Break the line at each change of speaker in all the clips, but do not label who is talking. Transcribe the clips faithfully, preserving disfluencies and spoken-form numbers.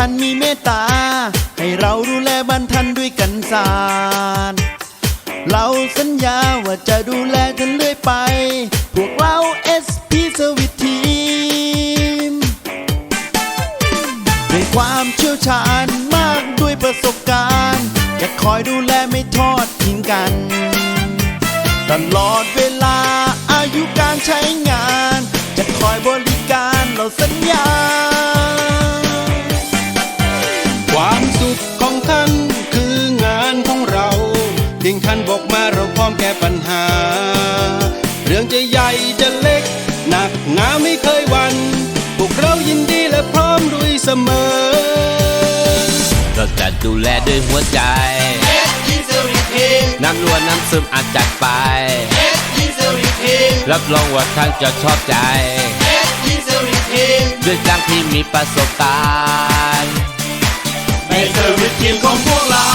ท่านมีเมตตาให้เราดูแลบ้านท่านด้วยกันสารเราสัญญาว่าจะดูแลท่านเรื่อยไปพวกเรา เอส พี Service Team ด้วยความเชี่ยวชาญมากด้วยประสบการณ์จะคอยดูแลไม่ทอดทิ้งกันตลอดเวลาอายุการใช้งานจะคอยบริการเราสัญญา
ความสุขของท่านคืองานของเราเพียงท่านบอกมาเราพร้อมแก้ปัญหาเรื่องจะใหญ่จะเล็กหนักหนาไม่เคยหวั่นพวกเรายินดีและพร้อมด้วยเสมอ
เราจะดูแลด้วยหัวใจน้ำล้วนน้ำซึมอาจจัดไปรับรองว่าท่านจะชอบใจด้วยจ้างที่มีประสบการณ์
ในเซอร์วิสทีมของพวกเรา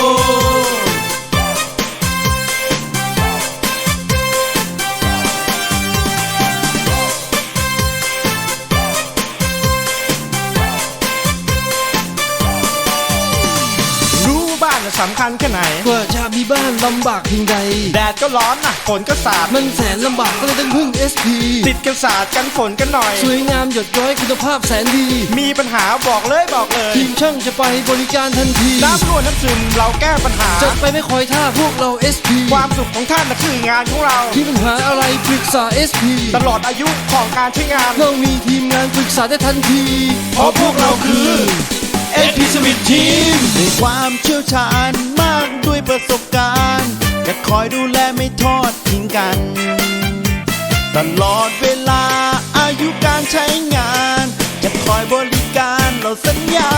สำคัญแค่ไหน
กว่าจะมีบ้านลำบากเพียงใด
แดดก็ร้อนนะฝนก็สาด
มันแสนลำบากก็เลยต้องพึ่ง เอส พี
ติดกันสาดกันฝนกันหน่อย
สวยงามหยดย้อยคุณภาพแสนดี
มีปัญหาบอกเลยบอกเลย
ทีมช่างจะไปบริการทันที
น้ำรั่วน้ำซึมเราแก้ปัญหา
จัดไปไม่คอยท่าพวกเรา เอส พี
ความสุขของท่านนะคืองานของเรา
ที่ปัญหาอะไรปรึกษา เอส พี
ตลอดอายุของการใช้งาน
เรามีทีมงานปรึกษาได้ทันที
เพราะพวกเราคือ
เอส พี Service Team ด้วยความเชี่ยวชาญมากด้วยประสบการณ์จะคอยดูแลไม่ทอดทิ้งกันตลอดเวลาอายุการใช้งานจะคอยบริการเราสัญญา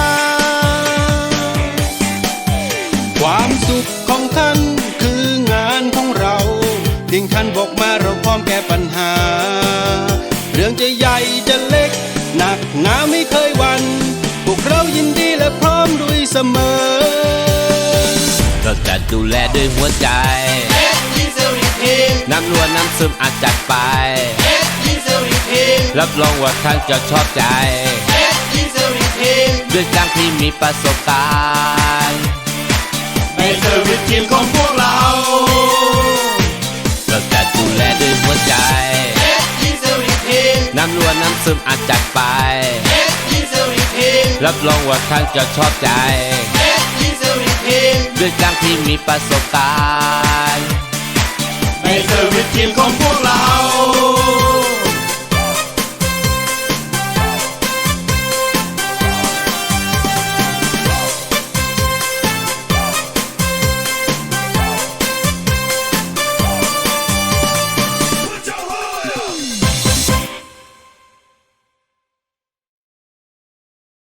ความสุขของท่านคืองานของเราเพียงท่านบอกมาเราพร้อมแก้ปัญหาเรื่องจะใหญ่จะเล็กหนักหนาไม่เคยหวั่นพวกเรายินดีและพร้อมด้วยเสมอ
เราจะดูแลด้วยหัวใจน้ำล้วนน้ำซึมอาจจัดไปรับรองว่าท่านจะชอบใจด้วยจ้างที่มีประสบการณ์
ในเซอร์วิสทีมของพวกเรา
เราจะดูแลด้วยหัวใจน้ำล้วนน้ำซึมอาจจัดไปรับรองว่าท่านจะชอบใจด้วยจ้างที่มีประสบการณ์
ในเซอร์วิสทีมของพวกเรา